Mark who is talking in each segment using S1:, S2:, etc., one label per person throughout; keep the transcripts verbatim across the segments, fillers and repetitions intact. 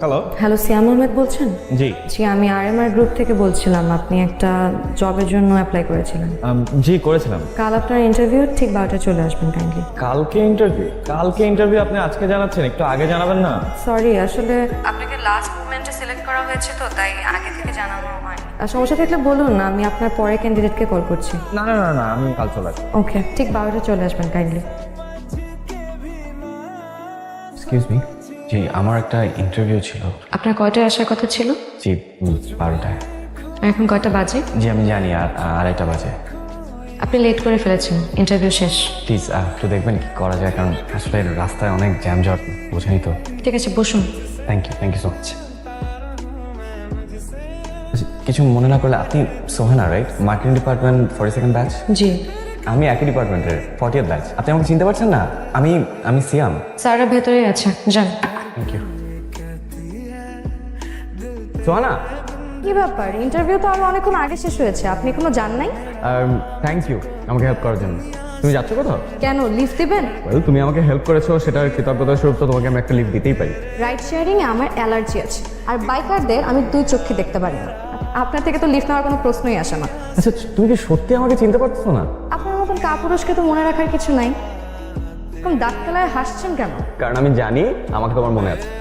S1: Hello
S2: hello, সিয়াম আহমেদ বলছেন?
S1: জি
S2: জি, আমি আরএমআর group থেকে বলছিলাম। আপনি একটা জবের জন্য অ্যাপ্লাই করেছিলেন।
S1: আম, জি করেছিলাম।
S2: কাল আপনার ইন্টারভিউ, ঠিক বারোটায় চলে আসবেন কাইন্ডলি।
S1: কালকে ইন্টারভিউ? কালকে ইন্টারভিউ আপনি আজকে জানাচ্ছেন, একটু আগে জানাবেন না?
S2: সরি, আসলে আপনাকে লাস্ট মোমেন্টে সিলেক্ট করা হয়েছে তো, তাই আগে থেকে জানানো হয়নি। আর সমস্যা থাকলে বলুন, আমি আপনার পরে ক্যান্ডিডেটকে কল করছি।
S1: না না না না আমি কাল চলে আসবো।
S2: ওকে, ঠিক বারোটায় চলে আসবেন কাইন্ডলি।
S3: এক্সকিউজ মি, জি আমার একটা ইন্টারভিউ ছিল।
S2: আপনার কয়টায় আসার কথা ছিল?
S3: জি বারোটায়।
S2: আর এখন কয়টা বাজে?
S3: জি আমি জানি, আর আড়াইটা বাজে।
S2: আপনি লেট করে ফেলেছেন, ইন্টারভিউ শেষ।
S3: প্লিজ একটু দেখবেন কি করা যায়, কারণ আসলে রাস্তায় অনেক জ্যাম জট, বোঝেনি তো।
S2: ঠিক আছে, বসুন।
S3: Thank you thank you so much. কিছু মনে না করলে, আপনি Sohana right? Marketing department forty second batch.
S2: জি,
S3: আমি একই ডিপার্টমেন্টের ফর্টিয়েথ ব্যাচ। আপনি আমাকে চিনতে পারছেন না? আমি আমি সিয়াম।
S2: স্যারের ভেতরেই আছে, যান।
S3: Thank you. সোহানা,
S2: কি ব্যাপার? ইন্টারভিউ তো আমার অনেকক্ষণ আগে শেষ হয়েছে, আপনি কোনো জান নাই?
S3: থ্যাংক ইউ আমাকে হেল্প করার জন্য। তুমি যাচ্ছ কোথাও?
S2: কেন, লিফট দিবেন?
S3: Well, তুমি আমাকে হেল্প করেছো, সেটার কৃতজ্ঞতা স্বরূপ তো তোমাকে আমি একটা লিফট দিতেই পারি।
S2: রাইড শেয়ারিং এ আমার অ্যালার্জি আছে, আর বাইকারদের আমি দুই চোখে দেখতে পারি না। আপনার থেকে তো লিফট নেওয়ার কোনো প্রশ্নই আসে না।
S3: আচ্ছা তুমি কি সত্যি আমাকে চিনতে পারছো না?
S2: আপনার মতন কাপুরুষকে তো মনে রাখার কিছু নাই। এরকম দাঁত কেলায় হাসছেন কেন?
S3: কারণ আমি জানি আমাকে তোমার মনে আছে।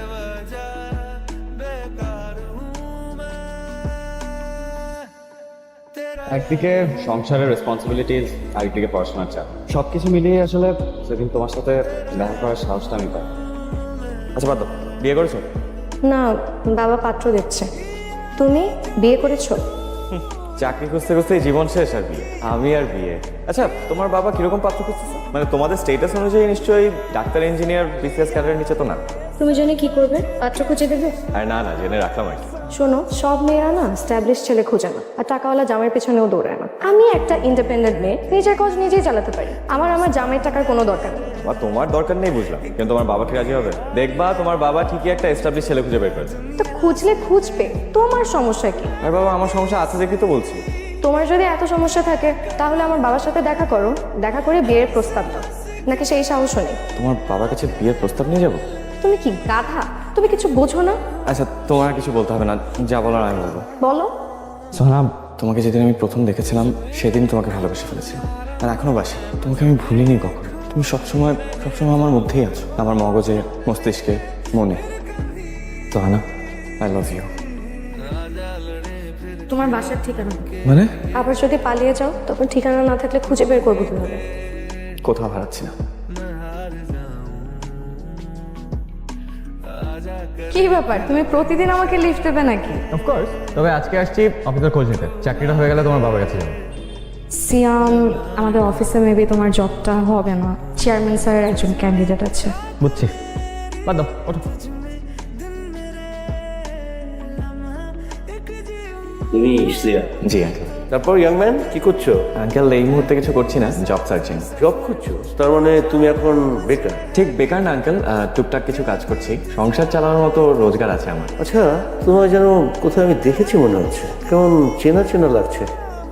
S3: একদিকে সংসারের রেসপন্সিবিলিটিস, আরেকদিকে পড়াশোনার চাপ, সবকিছু মিলিয়ে আসলে সেদিন তোমার সাথে দেখা করার সাহসটা আমি পাই। আচ্ছা বাদ দাও, বিয়ে করেছো?
S2: না, বাবা পাত্র দেখছে। তুমি বিয়ে করেছো?
S1: চাকরি খুঁজতে খুঁজতে জীবন শেষ আর বিয়ে, আমি আর বিয়ে। আচ্ছা তোমার বাবা কিরকম পাত্র খুঁজতেছে? মানে তোমাদের স্টেটাস অনুযায়ী নিশ্চয়ই ডাক্তার, ইঞ্জিনিয়ার, বিসিএস ক্যাডারের নিচে তো না?
S2: তুমি জেনে কি করবে? পাত্র খুঁজে দেবে?
S1: আর না না জেনে রাখলাম আর কি।
S2: শোনো, সব মেয়েরা না স্ট্যাবলিশ ছেলে খুঁজে না, আর টাকাওয়ালা জামাইয়ের পেছনেও দৌড়ায় না। আমি একটা ইন্ডিপেন্ডেন্ট মেয়ে, নিজের কাজ নিজেই চালাতে পারি। আমার আমার জামাইয়ের টাকার কোনো দরকার নেই।
S1: বা তোমার দরকার নেই বুঝলাম, কিন্তু তোমার বাবা কি রাজি হবে? দেখবা তোমার বাবা ঠিকই একটা এস্টাবলিশ ছেলে খুঁজে বের করেছে।
S2: তো খুঁজলে খুঁজবে, তোমার সমস্যা কি?
S1: আর বাবা আমার সমস্যা আছে দেখি তো বলছি।
S2: তোমার যদি এত সমস্যা থাকে, তাহলে আমার বাবার সাথে দেখা করো, দেখা করে বিয়ের প্রস্তাব দাও। নাকি সেই সাহসও নেই?
S1: তোমার বাবার কাছে বিয়ের প্রস্তাব নিয়ে যাবো?
S2: তুমি কি গাধা? তুমি কিছু বোঝো না?
S1: আচ্ছা তোমার আর কিছু বলতে হবে না, যা বলার আমি বলবো।
S2: বলো।
S3: সোহানা, তোমাকে যেদিন আমি প্রথম দেখেছিলাম সেদিন তোমাকে ভালোবেসে ফেলেছিলাম, আর এখনো বাসি। তোমাকে আমি ভুলিনি কখনো। তুমি সবসময় সবসময় আমার মধ্যেই আছো, আমার মগজে, মস্তিষ্কে, মনে। Sohana, I love you.
S2: তোমার বাসার ঠিকানা?
S3: মানে?
S2: আবার যদি পালিয়ে যাও, তখন ঠিকানা না থাকলে খুঁজে বের করবো কিভাবে?
S3: কোথাও হারাচ্ছি না।
S2: কি ব্যাপার, তুমি প্রতিদিন আমাকে লিফট দেবে নাকি?
S3: অফকোর্স, তবে আজকে আসছি অফিসের খোঁজ নিতে। চাকরিটা হয়ে গেলে তোমার বাবার কাছে যাবো।
S2: সিয়াম, আমাদের অফিসে মেবি তোমার জবটা হবে না। চেয়ারম্যান স্যারের একজন ক্যান্ডিডেট আছে।
S3: বুঝছি, বাদ দাও, ওঠো।
S4: তুমি শ্রেয়া?
S3: জি আঙ্কেল।
S4: তারপর ইয়াং ম্যান কি করছো?
S3: আঙ্কেল এই মুহূর্তে কিছু করছি না, জব সার্চিং।
S4: জব করছো? তার মানে তুমি এখন বেকার?
S3: ঠিক বেকার না আঙ্কেল, টুকটাক কিছু কাজ করছি, সংসার চালানোর মতো রোজগার আছে আমার।
S4: আচ্ছা, তোমার যেন কোথাও আমি দেখেছি মনে হচ্ছে, কেমন চেনা চেনা লাগছে।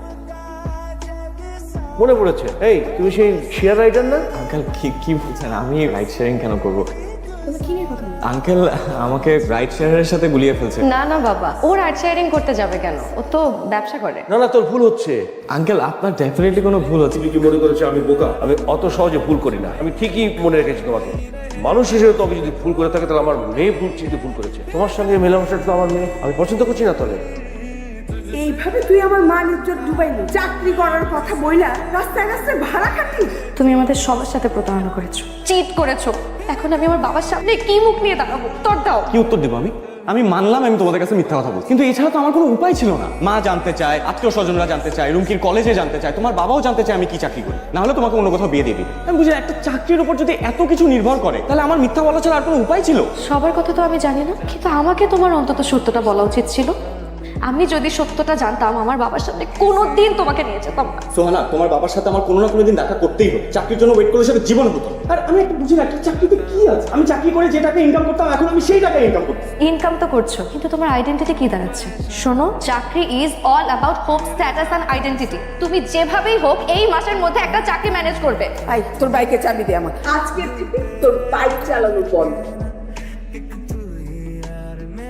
S4: মনে পড়েছে, এই তুমি সেই শেয়ার রাইডার না?
S3: আঙ্কেল কি কি বলছেন? আমি রাইড শেয়ারিং কেন করবো?
S2: তুমি কি নিয়ে কথা বলছো?
S3: আঙ্কেল আমাকে রাইড শেয়ারের সাথে গুলিয়ে ফেলছে।
S2: না না বাবা, ও রাইড শেয়ারিং করতে যাবে কেন? ও তো ব্যবসা করে।
S4: না না, তোর ভুল হচ্ছে।
S3: আঙ্কেল আপনার ডেফিনেটলি কোনো ভুল হচ্ছে।
S4: তুমি কি মনে করেছো আমি বোকা? আমি অত সহজে ভুল করি না। আমি ঠিকই মনে রেখেছি তোমাকে। মানুষ হিসেবে তবে যদি ভুল করে থাকে, তাহলে আমার মেয়ে ভুল চিন্তে ভুল করেছে। তোমার সঙ্গে মেলামেশাটা তো আমার মেয়ে আমি পছন্দ করছি না। তাহলে
S5: এইভাবে তুই আমার মান ইজ্জত ডুবাইলি। চাকরি করার কথা বইলা রাস্তায় রাস্তায় ভাড়া খাটিস।
S2: তুমি আমাদের সবার সাথে প্রতারণা করেছো, চিট করেছো। এখন আমি আমার বাবার সামনে কি মুখ নিয়ে দাঁড়াবো? তোর দাও।
S3: কি উত্তর দেবো আমি? আমি মানলাম আমি তোমাদের কাছে মিথ্যা কথা বলছি, কিন্তু এছাড়া তো আমার কোনো উপায় ছিল না। মা জানতে চায়, আত্মীয় স্বজনরা জানতে চায়, রুমকির কলেজে জানতে চায়, তোমার বাবাও জানতে চায় আমি কি চাকরি করি। না হলে তোমাকে অন্য কোথাও বিয়ে দিয়ে দিবে। আমি বুঝি একটা চাকরির উপর যদি এত কিছু নির্ভর করে, তাহলে আমার মিথ্যা বলা ছাড়া আর কোনো উপায় ছিল?
S2: সবার কথা তো আমি জানি না, কিন্তু আমাকে তোমার অন্তত সত্যটা বলা উচিত ছিল। আমি যদি সত্যটা জানতাম, আমার বাবার সামনে কোনোদিন তোমাকে নিয়ে যেতাম না।
S3: সোহানা, তোমার বাবার সাথে আমার কোনো না কোনো দিন দেখা করতেই হবে। চাকরির জন্য ওয়েট করলে সেটা জীবন হতো। আর আমি একটা বুঝি না, একটা চাকরিতে কি আছে? আমি চাকরি করে যে টাকা ইনকাম করতাম, এখন আমি সেই টাকা ইনকাম করছি।
S2: ইনকাম তো করছো, কিন্তু তোমার আইডেন্টিটি কি দাঁড়াচ্ছে? শোনো, চাকরি is all about hope, status and identity. তুমি যেভাবেই হোক এই মাসের মধ্যে একটা চাকরি ম্যানেজ করবে।
S5: আই, তোর বাইকে চাবি দে আমাকে। আজকে থেকে তোর বাইক চালানো বন্ধ।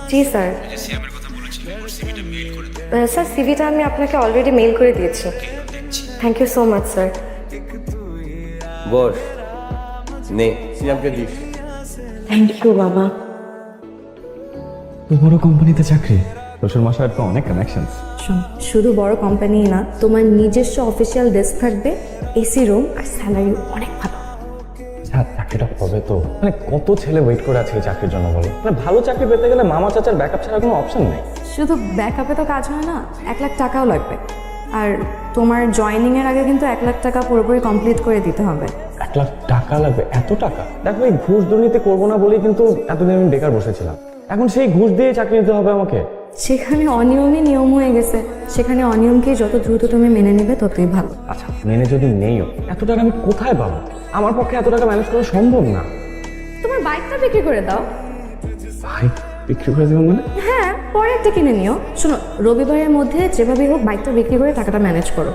S2: জি স্যার। স্যার সিভিটা আমি আপনাকে অলরেডি মেইল করে দিয়েছি। Thank you so much sir.
S4: বস নে সিয়ামকে দিস।
S2: থ্যাংক ইউ বাবা।
S3: তো বড় কোম্পানিতে চাকরি, শ্বশুর মশাইয়ের তো অনেক কানেকশনস।
S2: শোন, শুধু বড় কোম্পানি না, তোমার নিজস্ব অফিসিয়াল ডেস্ক থাকবে, এসি রুম, আর স্যালারি অনেক ভালো।
S3: আচ্ছা চাকরিটা হবে তো? মানে কত ছেলে ওয়েট করে আছে এই চাকরির জন্য বলো? মানে ভালো চাকরি পেতে গেলে মামা চাচার ব্যাকআপ ছাড়া কোনো অপশন নেই।
S2: শুধু ব্যাকআপে তো কাজ হয় না, এক লাখ টাকাও লাগবে। আর তোমার জয়েনিং এর আগে কিন্তু এক লাখ টাকা পুরোপুরি কমপ্লিট করে দিতে হবে।
S3: এক লাখ টাকা লাগবে? এত টাকা? দেখো এই ঘুষ দুর্নীতি করবো না বলেই কিন্তু এতদিন আমি বেকার বসেছিলাম। এখন সেই ঘুষ দিয়ে চাকরি নিতে হবে আমাকে?
S2: সেখানে অনিয়মই নিয়ম হয়ে গেছে, সেখানে অনিয়মকে যত দ্রুত তুমি মেনে নেবে ততই ভালো।
S3: আচ্ছা মেনে যদি নেইও, এত টাকা আমি কোথায় পাবো? আমার পক্ষে এত টাকা ম্যানেজ করা সম্ভব না।
S2: তোমার বাইকটা বিক্রি করে দাও।
S3: ভাই বিক্রি করে দেবো মানে?
S2: হ্যাঁ, পরে একটা কিনে নিও। শোনো, রবিবারের মধ্যে যেভাবেই হোক বাইকটা বিক্রি করে টাকাটা ম্যানেজ করো।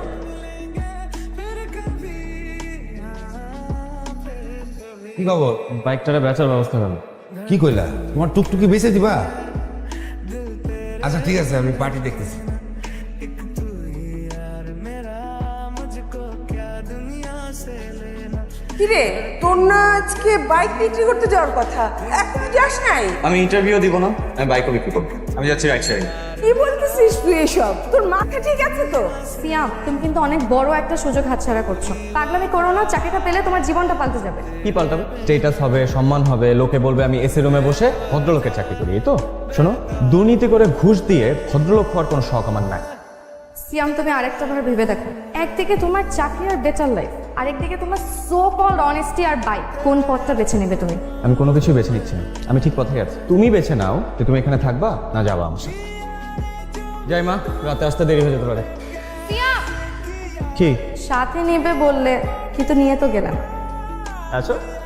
S6: কি খবর?
S3: বাইকটারে বেচার ব্যবস্থা করো।
S6: কি কইলা? তোমার টুকটুকি বেঁচে দিবা? আচ্ছা ঠিক আছে, আমি পার্টি দেখতেছি।
S5: কিরে, তোর না আজকে বাইক বিক্রি করতে যাওয়ার কথা, এখনো যাস নাই?
S3: আমি ইন্টারভিউ দিব না, আমি বাইকও বিক্রি করবো। আমি যাচ্ছি রাইট সাইড।
S5: কি বলতেছিস তুই এসব? তোর মাথা ঠিক আছে তো?
S2: সিয়াম, তুমি কিন্তু অনেক বড় একটা সুযোগ হাতছাড়া করছো। পাগলামি করো না, চাকরিটা পেলে তোমার জীবনটা পাল্টে যাবে।
S3: কি পাল্টাবে? স্টেটাস হবে, সম্মান হবে, লোকে বলবে আমি এসি রুমে বসে ভদ্রলোকের চাকরি করি। এই তো শোনো, দুর্নীতি করে ঘুষ দিয়ে ভদ্রলোক হওয়ার কোনো শখ আমার নাই।
S2: সিয়াম, তুমি আরেকটা বার ভেবে দেখো। একদিকে তোমার চাকরি আর বেটার লাইফ, আরেকদিকে তোমার সো কল্ড অনেস্টি আর বাইক। কোন পথটা বেছে নেবে তুমি?
S3: আমি কোনো কিছু বেছে নিচ্ছি না, আমি ঠিক পথে আছি। তুমি বেছে নাও যে তুমি এখানে থাকবা না যাবা আমার সাথে। যাই মা, রাতে আসতে দেরি হয়ে যেতে পারে।
S2: সিয়াম,
S3: কি?
S2: সাথে নেবে বললে, কিন্তু নিয়ে তো গেলাম।
S3: আচ্ছা